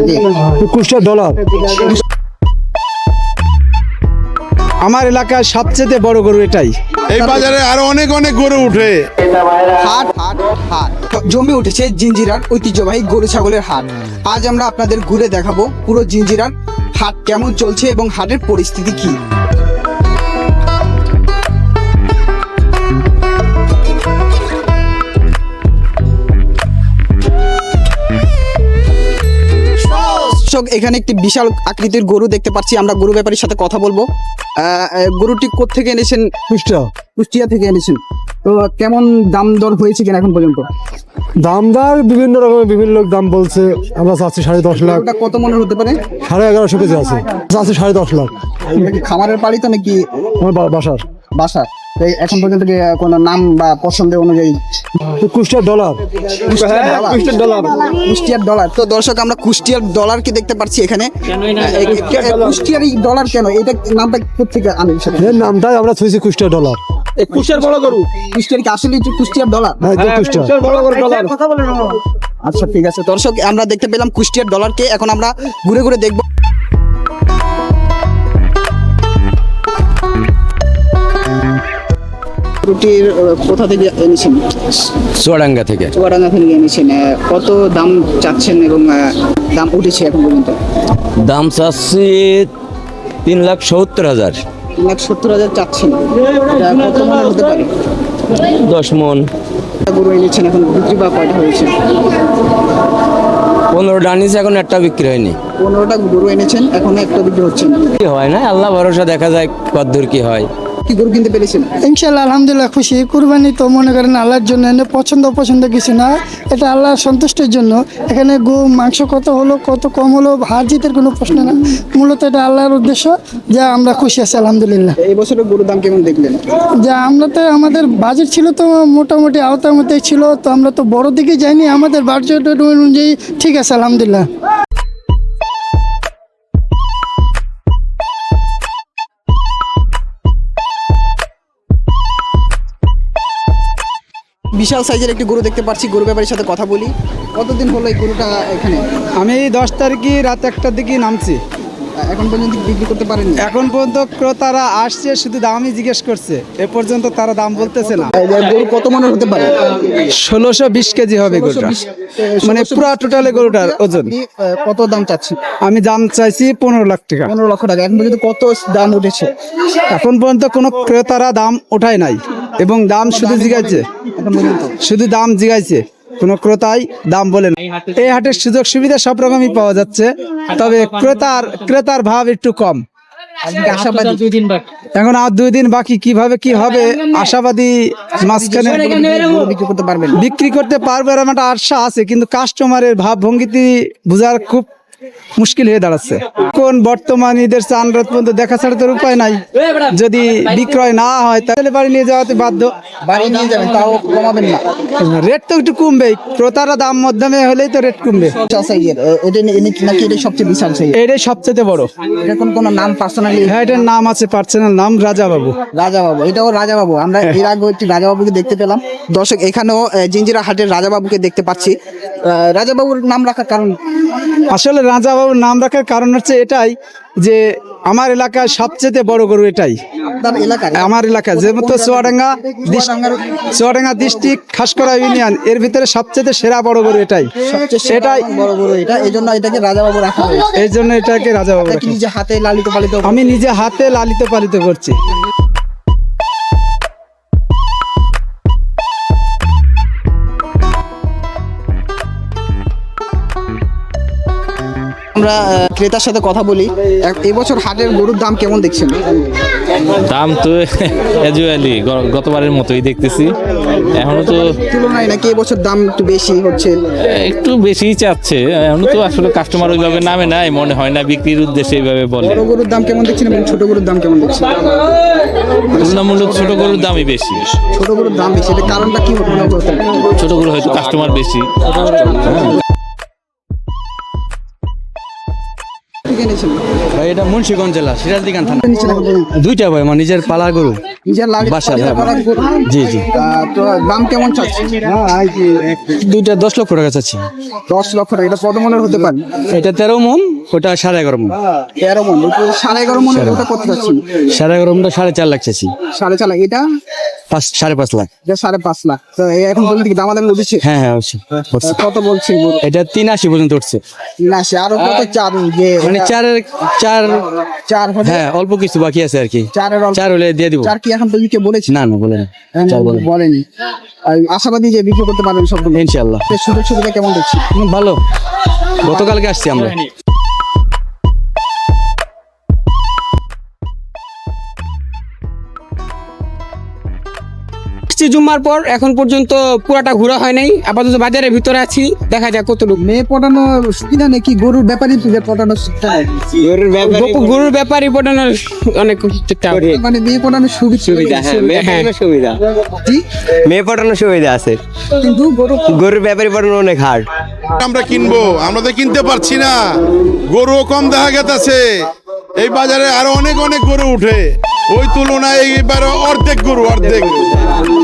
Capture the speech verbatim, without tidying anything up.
এটি? কুষ্টিয়া ডলার। আমার এলাকার সবচেয়ে বড় গরু এটাই। এই বাজারে আরো অনেক অনেক গরু উঠে। হাট হাট হাট জমে উঠেছে জিঞ্জিরার ঐতিহ্যবাহী গরু ছাগলের হাট। আজ আমরা আপনাদের ঘুরে দেখাবো পুরো জিঞ্জিরার হাট কেমন চলছে এবং হাটের পরিস্থিতি কি। এখানে একটি বিশাল আকৃতির গরু দেখতে পাচ্ছি আমরা। গরু ব্যাপারীর সাথে কথা বলবো। আহ, গরুটি কোত্থেকে এনেছেন? কুষ্টিয়া। কুষ্টিয়া থেকে এনেছেন। তো কেমন দাম দর হয়েছে কিনা এখন পর্যন্ত? দামদার বিভিন্ন রকমের বিভিন্ন লোক দাম বলছে। আমরা চাচ্ছি সাড়ে দশ লাখ। ওটা কত মনে হতে পারে? সাড়ে এগারোশো কেজি আছে। চাচ্ছি সাড়ে দশ লাখ। এটা কি খামারের পাড়ি তো নাকি আমার বা- বাসার বাসা? তো এখন পর্যন্ত কি কোনো নাম বা পছন্দের অনুযায়ী? কুষ্টিয়ার ডলার। কুষ্টিয়ার ডলার। কুষ্টিয়ার ডলার। তো দর্শক আমরা কুষ্টিয়ার ডলার কি দেখতে পাচ্ছি এখানে। কুষ্টিয়ার এই ডলার কেন? এটা নামটা কোথেকে আনেন? এর নামটাই আমরা থুইছি কুষ্টিয়া ডলার। কুষ্টিয়ার বড় গরু। কুষ্টিয়ার কি আসলে কুষ্টিয়ার ডলার? হ্যাঁ, এটা কুষ্টিয়া। আচ্ছা ঠিক আছে দর্শক আমরা দেখতে পেলাম কুষ্টিয়ার ডলারকে। এখন আমরা ঘুরে ঘুরে দেখব। রুটির কোথা থেকে এনেছেন? চুয়াডাঙ্গা থেকে। চুয়াডাঙ্গা থেকে এনেছেন। আহ, কত দাম চাচ্ছেন এবং আহ, দাম উঠেছে এখন পর্যন্ত? দাম চাচ্ছি তিন লাখ সত্তর হাজার। তিন লাখ সত্তর হাজার চাচ্ছেন। এটা কত মনে হতে পারে? দশ মন। গরু এনেছেন, এখন বিক্রি বা কয়টা হয়েছে? পনেরোটা আনিস, এখন একটা বিক্রি হয়নি। পনেরোটা গরু এনেছেন, এখনো একটা বিক্রি হচ্ছে না। কি হয় না, আল্লাহ ভরসা, দেখা যায় কতদূর কি হয়। কি গরু কিনতে পেরেছেন? ইনশাল্লাহ আলহামদুলিল্লাহ খুশি। কুরবানি তো মনে করেন আল্লাহর জন্য, এনে পছন্দ অপছন্দ কিছু না, এটা আল্লাহর সন্তুষ্টির জন্য। এখানে গো মাংস কত হলো কত কম হলো হার জিতের কোনো প্রশ্ন না, মূলত এটা আল্লাহর উদ্দেশ্য। যা আমরা খুশি আছি আলহামদুলিল্লাহ। এই বছরের গরুর দাম কেমন দেখলেন? যা আমরা তো আমাদের বাজেট ছিল তো মোটামুটি আওতার মধ্যেই ছিল, তো আমরা তো বড় দিকে যাইনি, আমাদের বাজেট অনুযায়ী ঠিক আছে আলহামদুলিল্লাহ। বিশাল সাইজের একটি গরু দেখতে পাচ্ছি। গরু ব্যাপারীর সাথে কথা বলি। কতদিন হলো এই গরুটা এখানে? আমি দশ তারিখে রাত একটার দিকে নামছি। এখন পর্যন্ত বিক্রি করতে পারেননি? এখন পর্যন্ত ক্রেতারা আসছে, শুধু দামই জিজ্ঞেস করছে। এ পর্যন্ত তারা দাম বলতেছে না। এই গরু কত মনের হতে পারে? ষোলোশো বিশ কেজি হবে গরুটা, মানে পুরা টোটালে গরুটার ওজন। আপনি, আহ, কত দাম চাচ্ছেন? আমি দাম চাইছি পনেরো লাখ টাকা। পনেরো লক্ষ টাকা। এখন পর্যন্ত কত দাম উঠেছে? এখন পর্যন্ত কোনো ক্রেতারা দাম ওঠায় নাই এবং দাম শুধু জিগাইছে। এখন পর্যন্ত শুধু দাম জিগাইছে, কোনো ক্রেতাই দাম বলে না। এই হাটের সুযোগ সুবিধা সব রকমই পাওয়া যাচ্ছে, তবে ক্রেতার ক্রেতার ভাব একটু কম। আপনি কি আশাবাদী? এখন আর দুই দিন বাকি, কিভাবে কি হবে আশাবাদী। মাঝখানে গরু বিক্রি করতে পারবেন? বিক্রি করতে পারবে এরকম একটা আশা আছে, কিন্তু কাস্টমারের ভাব ভঙ্গিতে বোঝার খুব মুশকিল হয়ে দাঁড়াচ্ছে। কোন বর্তমান ঈদের চান রাত পর্যন্ত দেখা ছাড়া তোর উপায় নাই। যদি বিক্রয় না হয় তাহলে বাড়ি নিয়ে যাওয়াতে বাধ্য। বাড়ি নিয়ে যাবেন, তাও কমাবেন না? রেট তো একটু কমবেই, ক্রেতারা দাম মধ্যমে হলেই তো রেট কমবে। বিশাল সাইজের এটা নি- এনে- নাকি এটা সবচেয়ে বিশাল সাইজ? এটাই সবচেয়ে বড়। এটা কোন কোন নাম পার্সোনালি? হ্যাঁ, এটার নাম আছে, পার্সোনাল নাম রাজা বাবু। রাজা বাবু। এটাও রাজা বাবু। আমরা এর আগে একটি রাজা বাবুকে দেখতে পেলাম। দর্শক এখানেও আহ, জিঞ্জিরা হাটের রাজা বাবুকে দেখতে পাচ্ছি। আহ, রাজা বাবুর নাম রাখার কারণ? আসলে রাজা বাবুর নাম রাখার কারণ হচ্ছে এটাই যে আমার এলাকায় সবচেয়ে বড় গরু এটাই। আপনার এলাকার? আমার এলাকা যেমন তো চুয়াডাঙ্গা চুয়াডাঙ্গা ডিস্ট্রিক্ট খাসকরা ইউনিয়ন, এর ভিতরে সবচেয়ে সেরা বড় গরু এটাই। সবচেয়ে এটাই বড় গরু এটা, এই জন্য এটাকে রাজা বাবু রাখা হয়েছে। এই জন্য এটাকে রাজা বাবু এটা কি রাখি। নিজে হাতে লালিত পালিত? আমি নিজে হাতে লালিত পালিত করছি। আমরা আহ, ক্রেতার সাথে কথা বলি। এক- এবছর হাটের গরুর দাম কেমন দেখছেন? দাম তো অ্যাজুয়ালি গতবারের মতোই দেখতেছি, এখনো তো তুলনায় নাকি এবছর দাম একটু বেশি হচ্ছে? একটু বেশিই চাচ্ছে। এখনো তো আসলে কাস্টমার ওইভাবে নামে নাই, মনে হয় না বিক্রির উদ্দেশ্যে এইভাবে বলে। বড় গরুর দাম কেমন দেখছেন এবং ছোট গরুর দাম কেমন দেখছেন? তুলনামূলক ছোট গরুর দামই বেশি। ছোট গরুর দাম বেশি, এটা কারণটা কি হতে পারে? ছোট গরু হয়তো কাস্টমার বেশি। থেকে এনেছেন? ভাই এটা মুন্সিগঞ্জ জেলা সিরাজদি খান থানা। নিচ্ছেন এখন পর্যন্ত? দুইটা ভাই আমার নিজের পালা গরু। নিজের লাগে বাসার, নিজের হ্যাঁ। পালার গরু। জি, জি। আহ, তো দাম কেমন চাচ্ছেন? দুইটা দশ লক্ষ টাকা চাচ্ছি। দশ লক্ষ টাকা। এটা কত মনের হতে পারে? এটা তেরো মন, ওটা সাড়ে এগারো মন। তেরো মন। ওটা সাড়ে এগারো মনের ওটা কত চাচ্ছেন? সাড়ে এগারো মনটা সাড়ে চার লাখ চাচ্ছি। সাড়ে চার লাখ। এটা পাঁচ সাড়ে পাঁচ লাখ। এটা সাড়ে পাঁচ লাখ। তো এই এখন পর্যন্ত কি দামাদামি উঠেছে? হ্যাঁ হ্যাঁ অবশ্যই হচ্ছে। কত বলছে গরু? এটা তিন আশি পর্যন্ত উঠছে। না সে আরো কত চার যে মানে চারের চার চার হলে হ্যাঁ অল্প কিছু বাকি আছে আর কি। চারের অল্প- চার হলে দিয়ে দিব। চার কি এখন তুমি কে বলেছি? না না বলে না। এখন চার বলে বলেনি। আর আশাবাদী যে বিক্রি করতে পারবেন সবগুলো। ইনশাআল্লাহ। এর সুযোগ সুবিধা কেমন দেখছি? হুম, ভালো। গতকালকে আসছি আমরা। জুম্মার পর এখন পর্যন্ত পুরাটা ঘোরা হয় নাই, আপাতত বাজারের ভিতরে আছি, দেখা যাক কতটুকু। মেয়ে পটানো সুবিধা নাকি গরুর ব্যাপারই পটানো সুবিধা? গরু- গরুর ব্যাপারে পটানোর অনেক চেষ্টা করি। মানে মেয়ে পটানোর সুবিধা সুবিধা হ্যাঁ, সুবিধা মেয়ে পটানোর সুবিধা আছে, কিন্তু গরু গরুর ব্যাপারী পটানো অনেক হার্ড। আমরা কিনবো, আমরা তো কিনতে পারছি না, গরু কম দেখা গেছে। এই বাজারে আরো অনেক অনেক গরু উঠে, ওই তুলনায় এইবার অর্ধেক গরু অর্ধেক